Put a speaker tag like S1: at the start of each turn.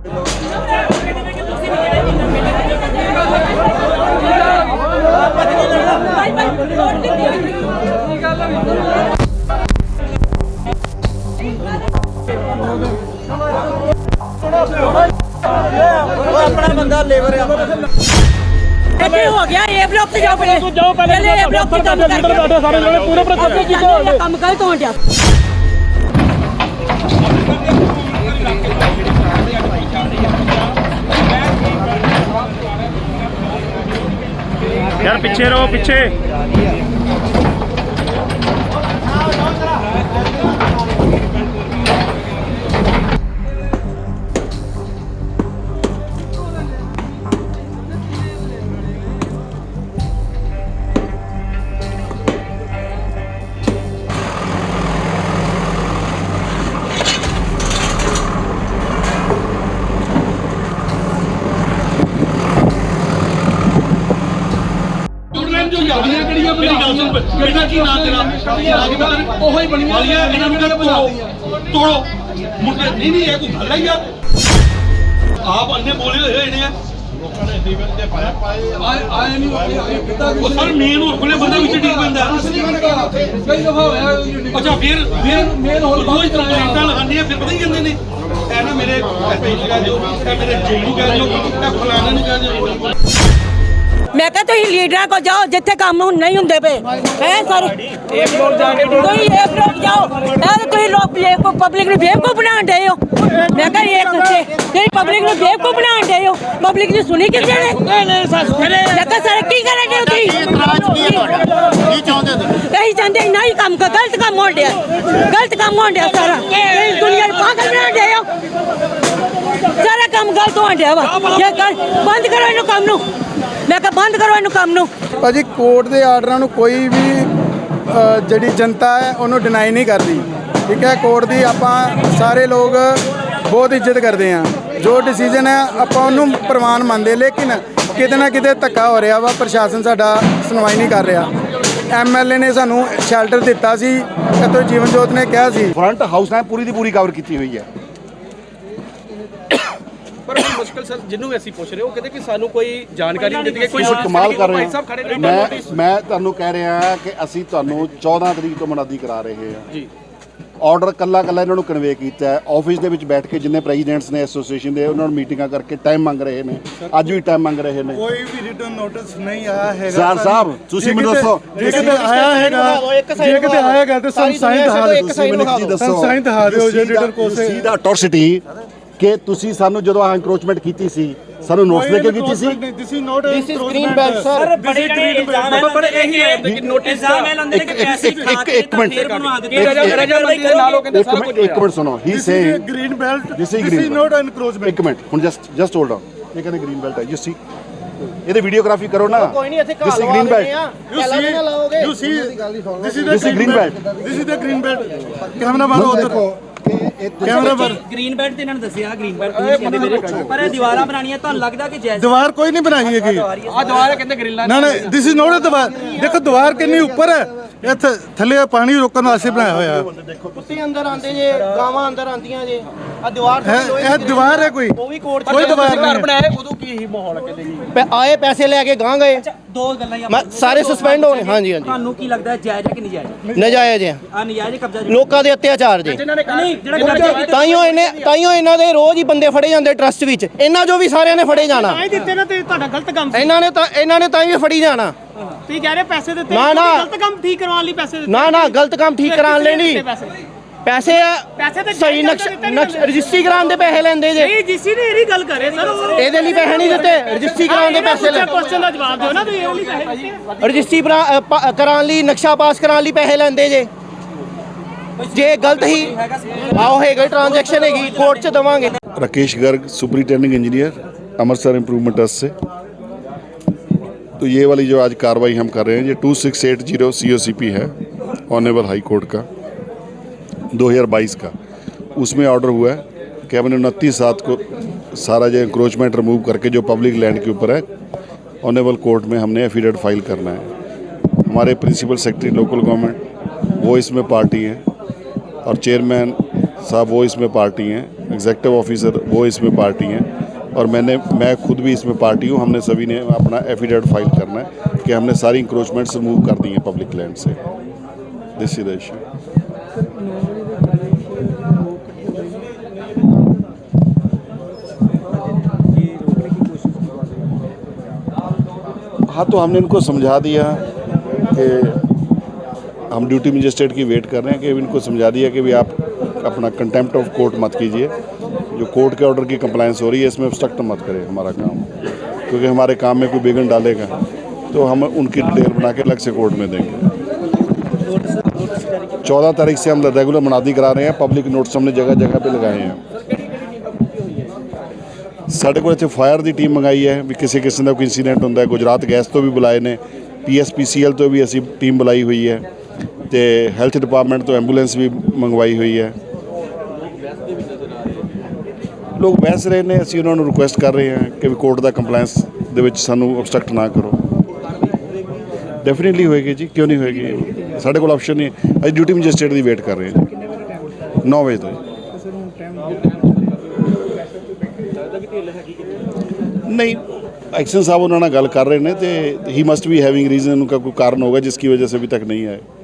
S1: अपना बंदा लेबर हो गया ए ब्लॉक से जाओ पहले ए ब्लॉक से काम करके सारे लोग पूरे प्रति काम कर तो हटिया
S2: यार पीछे रहो पीछे।
S3: आप अन्य बोले सर मेन और खुले बंदा विच ठीक बंदा अच्छा फिर रोज कंप्लेंटां लगांदे फिर पता ही कहंदे ने ए ना मेरे एसपी कह दो मेरे जेई ਨੂੰ कह दो फलाने ਨੂੰ कह दो।
S1: मैं क्या तुम लीडर को जाओ जिथे काम नहीं होंगे पे है सर कोई एक लोग जाओ कोई लोग पब्लिक ने बेवकूफ बना दे हो। मैं क्या एक पब्लिक ने बेवकूफ बना दे हो पब्लिक ने सुनी किसी ने मैं क्या सर की करेंगे यही चाहते ना ही काम का गलत काम हो गया सारा दुनिया पागल बना दे हो सारा काम गलत हो गया ये बंद करो इन काम नू मैं कहा बंद करो इन काम नू।
S4: ਭਾਜੀ ਕੋਰਟ ਦੇ ਆਰਡਰਾਂ ਨੂੰ ਕੋਈ ਵੀ ਜਿਹੜੀ ਜਨਤਾ ਹੈ ਉਹਨੂੰ ਡਿਨਾਈ ਨਹੀਂ ਕਰਦੀ ਠੀਕ ਹੈ। ਕੋਰਟ ਦੀ ਆਪਾਂ ਸਾਰੇ ਲੋਕ ਬਹੁਤ ਇੱਜ਼ਤ ਕਰਦੇ ਹਾਂ ਜੋ ਡਿਸੀਜਨ ਹੈ ਆਪਾਂ ਉਹਨੂੰ ਪ੍ਰਵਾਨ ਮੰਨਦੇ ਲੇਕਿਨ ਕਿਤੇ ਨਾ ਕਿਤੇ ਧੱਕਾ ਹੋ ਰਿਹਾ ਵਾ ਪ੍ਰਸ਼ਾਸਨ ਸਾਡਾ ਸੁਣਵਾਈ ਨਹੀਂ ਕਰ ਰਿਹਾ। ਐਮਐਲਏ ਨੇ ਸਾਨੂੰ ਸ਼ੈਲਟਰ ਦਿੱਤਾ ਸੀ ਅਤੇ ਜੀਵਨ ਜੋਤ ਨੇ ਕਿਹਾ ਸੀ
S5: ਫਰੰਟ ਹਾਊਸ ਨੇ ਪੂਰੀ ਦੀ ਪੂਰੀ ਕਵਰ ਕੀਤੀ ਹੋਈ ਹੈ।
S6: पर मुश्किल सर जिन्हों भी पुछ रहे हो कहते कि सानू कोई जानकारी नहीं देती कोई
S5: कमाल कर रहे हैं। मैं ਤੁਹਾਨੂੰ ਕਹਿ ਰਿਹਾ ਕਿ ਅਸੀਂ ਤੁਹਾਨੂੰ 14 ਤਰੀਕ ਤੋਂ ਮਨਾਦੀ ਕਰਾ ਰਹੇ ਹਾਂ ਜੀ। ਆਰਡਰ ਕੱਲਾ ਇਹਨਾਂ ਨੂੰ ਕਨਵੇ ਕੀਤਾ ਹੈ। ਆਫਿਸ ਦੇ ਵਿੱਚ ਬੈਠ ਕੇ ਜਿੰਨੇ ਪ੍ਰੈਜ਼ੀਡੈਂਟਸ ਨੇ ਐਸੋਸੀਏਸ਼ਨ ਦੇ ਉਹਨਾਂ ਨੂੰ ਮੀਟਿੰਗਾਂ ਕਰਕੇ ਟਾਈਮ ਮੰਗ ਰਹੇ ਨੇ ਅੱਜ ਵੀ ਟਾਈਮ ਮੰਗ ਰਹੇ ਨੇ।
S4: ਕੋਈ ਵੀ ਰਿਟਨ ਨੋਟਿਸ ਨਹੀਂ ਆਇਆ ਹੈਗਾ
S5: ਸਰ ਸਾਹਿਬ ਤੁਸੀਂ ਮੈਨੂੰ ਦੱਸੋ
S4: ਜੇ ਕਿਤੇ ਆਇਆ ਹੈਗਾ ਤੇ ਸਾਨੂੰ ਸਾਈਨ ਦਿਖਾ ਦਿਓ ਤੁਸੀਂ ਮੈਨੂੰ ਕੀ ਦੱਸੋ ਸਾਈਨ ਦਿਖਾ ਦਿਓ ਜੇ ਰਿਟਨ ਕੋਸੇ
S5: ਸੀ ਦਾ ਅਟੋਰਸਿਟੀ ਕਿ ਤੁਸੀਂ ਸਾਨੂੰ ਜਦੋਂ ਆ ਐਨਕਰੋਚਮੈਂਟ ਕੀਤੀ ਸੀ ਸਾਨੂੰ ਨੋਟਿਸ ਦੇ ਕੇ ਕੀਤੀ ਸੀ
S4: this is green belt
S1: sir ਬੜੇ ਇਲਜ਼ਾਮ
S6: ਪਰ ਇਹੀ ਹੈ ਕਿ ਨੋਟਿਸ
S1: ਇਲਜ਼ਾਮ ਇਹ ਲਾਉਂਦੇ ਨੇ ਕਿ ਪੈਸੇ
S5: ਇੱਕ ਮਿੰਟ ਸੁਣੋ ਹੀ ਸੇ
S4: green belt
S5: this is not encroachment. ਇੱਕ ਮਿੰਟ ਹੁਣ ਜਸਟ ਹੋਲਡ ਆਨ ਇਹ ਕਹਿੰਦੇ ਗ੍ਰੀਨ ਬੈਲਟ ਹੈ ਯੂ ਸੀ ਇਹਦੇ ਵੀਡੀਓਗ੍ਰਾਫੀ ਕਰੋ ਨਾ
S1: ਕੋਈ ਨਹੀਂ ਇੱਥੇ
S5: this is green belt
S4: you see this is the green belt camera ਮਾਰੋ ਉਧਰ ਕੈਮਰਾ ਪਰ
S1: ਗ੍ਰੀਨ ਬੈਲਟ ਤੇ ਇਹਨਾਂ ਨੇ ਦੱਸਿਆ ਗ੍ਰੀਨ ਬੈਲਟ ਕਹਿੰਦੇ ਮੇਰੇ ਪਰ ਇਹ ਦੀਵਾਰਾਂ ਬਣਾਉਣੀਆਂ ਤੁਹਾਨੂੰ ਲੱਗਦਾ ਕਿ ਜਾਇਜ਼
S4: ਦੀਵਾਰ ਕੋਈ ਨਹੀਂ ਬਣਾਈ ਹੈਗੀ
S6: ਆ ਦੀਵਾਰ ਕਹਿੰਦੇ ਗ੍ਰਿਲਾਂ
S4: ਨਾ ਦਿਸ ਇਜ਼ ਨੋਟ ਅ ਦੀਵਾਰ ਦੇਖੋ ਦੀਵਾਰ ਕਿੰਨੀ ਉੱਪਰ ਹੈ ਇੱਥੇ ਥੱਲੇ ਪਾਣੀ ਰੋਕਣ ਵਾਸਤੇ ਬਣਾਇਆ ਹੋਇਆ
S7: ਕੁੱਤੇ ਅੰਦਰ ਆਉਂਦੇ ਜੇ ਗਾਵਾਂ ਅੰਦਰ ਆਉਂਦੀਆਂ ਜੇ ਆ ਦੀਵਾਰ
S4: ਇਹ ਦੀਵਾਰ ਹੈ ਕੋਈ ਕੋਈ ਦੀਵਾਰ ਨਹੀਂ
S6: ਬਣਾਇਆ ਉਦੋਂ ਕੀ ਹੀ ਮਾਹੌਲ ਕਹਿੰਦੇ ਜੀ
S7: ਆਏ ਪੈਸੇ ਲੈ ਕੇ ਗਾਂ ਗਏ
S1: ਦੋ ਗੱਲਾਂ ਹੀ
S7: ਸਾਰੇ ਸਸਪੈਂਡ ਹੋਣੇ। ਹਾਂਜੀ
S1: ਤੁਹਾਨੂੰ ਕੀ ਲੱਗਦਾ ਜਾਇਜ਼ ਹੈ ਕਿ ਨਜਾਇਜ਼
S7: ਨਜਾਇਜ਼ ਹੈ
S1: ਆ ਨਜਾਇਜ਼ ਕਬਜ਼ਾ
S7: ਲੋਕਾਂ ਦੇ ਅਤਿਆਚਾਰ ਜੇ
S1: ਨਹੀਂ ਜਿਹੜਾ
S7: ਤਾਈਓ ਇਹਨਾਂ ਦੇ ਰੋਜ਼ ਹੀ ਬੰਦੇ ਫੜੇ ਜਾਂਦੇ ਟਰਸਟ ਵਿੱਚ ਇਹਨਾਂ ਜੋ ਵੀ ਸਾਰਿਆਂ ਨੇ ਫੜੇ ਜਾਣਾ
S1: ਦਿੱਤੇ ਨਾ ਤੇ ਤੁਹਾਡਾ ਗਲਤ ਕੰਮ
S7: ਇਹਨਾਂ ਨੇ ਤਾਂ ਹੀ ਫੜੀ ਜਾਣਾ।
S1: ਤੁਸੀਂ ਕਹਿ ਰਹੇ ਪੈਸੇ ਦਿੱਤੇ
S7: ਨਾ
S1: ਗਲਤ ਕੰਮ ਠੀਕ ਕਰਵਾਉਣ ਲਈ ਪੈਸੇ ਦਿੱਤੇ
S7: ਨਾ ਗਲਤ ਕੰਮ ਠੀਕ ਕਰਾਉਣ ਲਈ ਨਹੀਂ ਪੈਸੇ
S1: ਤੇ
S7: ਸਹੀ ਨਕਸ਼ ਰਜਿਸਟਰੀ ਕਰਾਉਣ ਦੇ ਪੈਸੇ ਲੈਂਦੇ ਜੇ
S1: ਨਹੀਂ ਜਿਸੀ ਨੇ ਇਹਦੀ ਗੱਲ ਕਰੇ ਸਰ
S7: ਇਹਦੇ ਲਈ ਪੈਸੇ ਨਹੀਂ ਦਿੱਤੇ ਰਜਿਸਟਰੀ ਕਰਾਉਣ ਦੇ ਪੈਸੇ ਲੈ
S1: ਕੁਐਸਚਨ ਦਾ ਜਵਾਬ ਦਿਓ ਨਾ ਤੁਸੀਂ ਇਹਦੇ ਲਈ ਪੈਸੇ ਦਿੱਤੇ
S7: ਰਜਿਸਟਰੀ ਕਰਾਉਣ ਲਈ ਨਕਸ਼ਾ ਪਾਸ ਕਰਾਉਣ ਲਈ ਪੈਸੇ ਲੈਂਦੇ ਜੇ ਗਲਤ ਹੀ ਆਓ ਹੈਗਾ ट्रांजैक्शन हैगी कोर्ट से दवांगे।
S5: Rakesh Garg superintending engineer Amritsar improvement trust से। तो ये वाली जो आज कार्रवाई हम कर रहे हैं ये 2680 COCP है ऑनरेबल हाई कोर्ट का 2022 का। उसमें ऑर्डर हुआ है कि हमने 29/7 को सारा जो इंक्रोचमेंट रिमूव करके जो पब्लिक लैंड के ऊपर है ऑनरेबल कोर्ट में हमने एफिडेविट फाइल करना है। हमारे प्रिंसिपल सेक्रेटरी लोकल गवर्नमेंट वो इसमें पार्टी हैं और चेयरमैन साहब वो इसमें पार्टी हैं। एग्जेक्टिव ऑफिसर वो इसमें पार्टी हैं और मैं खुद भी इसमें पार्टी हूँ। हमने सभी ने अपना एफिडेविट फाइल करना है कि हमने सारी इंक्रोचमेंट्स रिमूव कर दी हैं पब्लिक लैंड से। This is the issue. हाँ, तो हमने इनको समझा दिया कि हम ड्यूटी मजिस्ट्रेट की वेट कर रहे हैं कि इनको समझा दिया कि भी आप अपना कंटेम्प्ट ऑफ कोर्ट मत कीजिए, जो कोर्ट के ऑर्डर की कंप्लायंस हो रही है इसमें ऑब्स्ट्रक्ट मत करें हमारा काम, क्योंकि हमारे काम में कोई विघ्न डालेगा तो हम उनकी डिटेल बना के अलग से कोर्ट में देंगे। 14 तारीख से हम रेगुलर मुनादी करा रहे हैं, पब्लिक नोट्स हमने जगह जगह पे लगाए हैं। ਸਾਡੇ ਕੋਲ ਇੱਥੇ ਫਾਇਰ ਦੀ ਟੀਮ ਮੰਗਾਈ ਹੈ ਵੀ ਕਿਸੇ ਕਿਸਮ ਦਾ ਕੋਈ ਇਨਸੀਡੈਂਟ ਹੁੰਦਾ ਹੈ। ਗੁਜਰਾਤ ਗੈਸ ਤੋਂ ਵੀ ਬੁਲਾਏ ਨੇ, PSPCL ਤੋਂ ਵੀ ਅਸੀਂ ਟੀਮ ਬੁਲਾਈ ਹੋਈ ਹੈ ਤੇ ਹੈਲਥ ਡਿਪਾਰਟਮੈਂਟ ਤੋਂ ਐਂਬੂਲੈਂਸ ਵੀ ਮੰਗਵਾਈ ਹੋਈ ਹੈ। ਲੋਕ ਬਹਿਸ ਰਹੇ ਨੇ, ਅਸੀਂ ਉਹਨਾਂ ਨੂੰ ਰਿਕੁਐਸਟ ਕਰ ਰਹੇ ਹਾਂ ਕਿ ਵੀ ਕੋਰਟ ਦਾ ਕੰਪਲਾਇੰਸ ਦੇ ਵਿੱਚ ਸਾਨੂੰ obstruct ਨਾ ਕਰੋ। ਡੈਫੀਨਿਟਲੀ ਹੋਏਗੀ ਜੀ, ਕਿਉਂ ਨਹੀਂ ਹੋਏਗੀ। ਸਾਡੇ ਕੋਲ ਆਪਸ਼ਨ ਨਹੀਂ, ਅਸੀਂ ਡਿਊਟੀ ਮੈਜਿਸਟਰੇਟ ਦੀ ਵੇਟ ਕਰ ਰਹੇ ਹਾਂ 9 ਵਜੇ ਤੋਂ। नहीं, एक्शन साहब उन्होंने गल कर रहे हैं तो he must be having reason, उनका कोई कारण होगा जिसकी वजह से अभी तक नहीं आए।